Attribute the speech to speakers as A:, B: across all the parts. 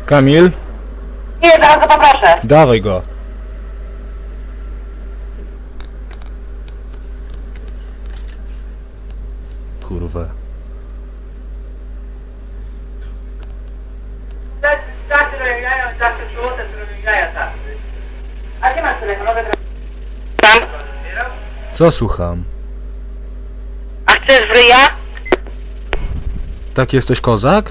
A: Kamil?
B: Nie, zaraz go poproszę.
A: Dawaj go. Kurwa.
B: A gdzie masz telefon? Tam.
A: Co słucham?
B: A chcesz w ryja?
A: Tak jesteś kozak?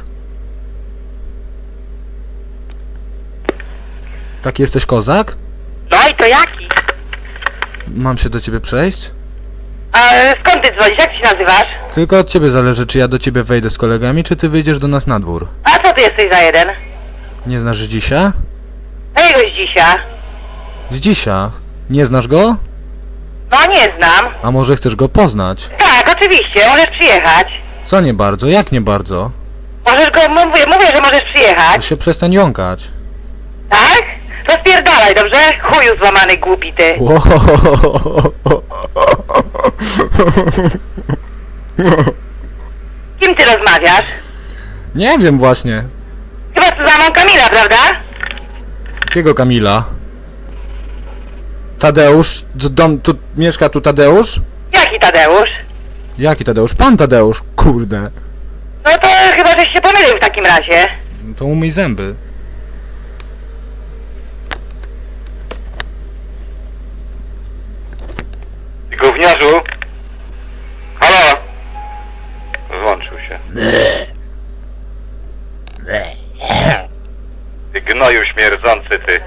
A: Tak jesteś kozak?
B: No i to jaki?
A: Mam się do ciebie przejść?
B: A skąd ty dzwonisz? Jak ty się nazywasz?
A: Tylko od ciebie zależy, czy ja do ciebie wejdę z kolegami, czy ty wyjdziesz do nas na dwór.
B: A co ty jesteś za jeden?
A: Nie znasz Zdzisia?
B: Jakiego Zdzisia?
A: Zdzisia? Nie znasz go?
B: No nie znam.
A: A może chcesz go poznać?
B: Tak, oczywiście, możesz przyjechać.
A: Co nie bardzo? Jak nie bardzo?
B: Możesz go, mówię, że możesz
A: To
B: przyjechać.
A: się przestań jąkać.
B: Tak? To spierdalaj, dobrze? Chuju złamany głupi ty. Kim ty rozmawiasz?
A: Nie wiem właśnie.
B: Chyba z Zuzanną Kamila, prawda?
A: Jakiego Kamila? Tadeusz? Tu mieszka tu Tadeusz?
B: Jaki Tadeusz?
A: Jaki Tadeusz? Pan Tadeusz, kurde.
B: No to chyba żeś się pomylił w takim razie.
A: No to umyj zęby.
C: Gówniarzu? Halo? Włączył się. Ty gnoju śmierdzący ty.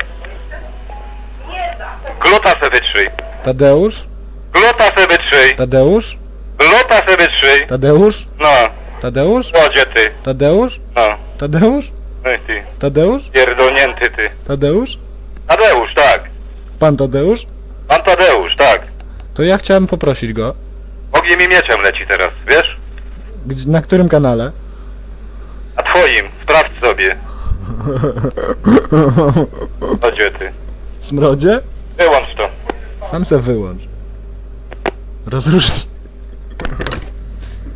C: Gluta se wytrzyj.
A: Tadeusz?
C: Gluta se wytrzyj.
A: Tadeusz?
C: Gluta se wytrzyj.
A: Tadeusz?
C: No.
A: Tadeusz?
C: Łodzie ty.
A: Tadeusz?
C: No.
A: Tadeusz?
C: No i ty.
A: Tadeusz?
C: Pierdolnięty ty.
A: Tadeusz?
C: Tadeusz, tak.
A: Pan Tadeusz?
C: Pan Tadeusz, tak.
A: To ja chciałem poprosić go.
C: Ogniem i mieczem leci teraz, wiesz?
A: Na którym kanale?
C: A twoim. Sprawdź sobie. Łodzie ty.
A: Smrodzie?
C: Wyłącz to.
A: Sam se wyłącz. Rozróżnij.